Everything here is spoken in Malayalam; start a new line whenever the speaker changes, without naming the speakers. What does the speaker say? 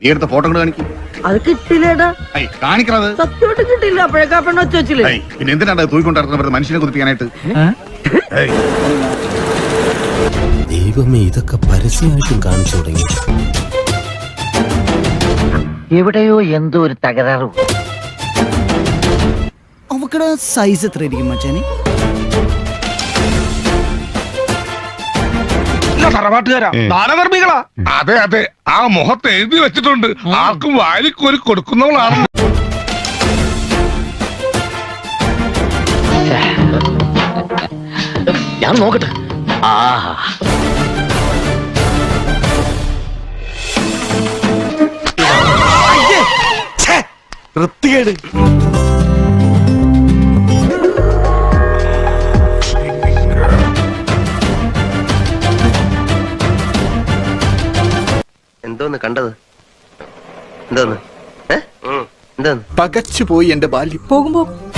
നീ എടുത്ത ഫോട്ടോ കൊണ്ട് കാണിക്കും.
അത് കിട്ടില്ലേടാ,
കാണിക്കണത്
സത്യമായിട്ട് കിട്ടില്ല. അപ്പോഴേക്കാ പെണ്ണ് ഒച്ച വെച്ചില്ലേ?
പിന്നെ എന്തിനാണ് തൂക്കൊണ്ടിരുന്നത് മനുഷ്യനെ കുതിപ്പിക്കാനായിട്ട്?
ദൈവമേ, ഇതൊക്കെ പരസ്യമായിട്ടും കാണിച്ചു തുടങ്ങി.
എവിടെയോ എന്തോ ഒരു തകരാറ്.
അവക്കടെ സൈസ് എത്ര ആയിരിക്കും മച്ചാനെ?
തറവാട്ടുകാരാ, ദാനധർമ്മികളാ.
അതെ അതെ, ആ മുഖത്ത് എഴുതി വെച്ചിട്ടുണ്ട്, ആർക്കും വാരിക്കോരി കൊടുക്കുന്നവളാണ്.
ഞാൻ നോക്കട്ടെ. ആഹാ,
വൃത്തികേട്.
എന്തോന്ന് കണ്ടത്? എന്തോന്ന്? എന്തോന്ന്?
പകച്ചുപോയി എന്റെ ബാല്യം.
പോകുമ്പോ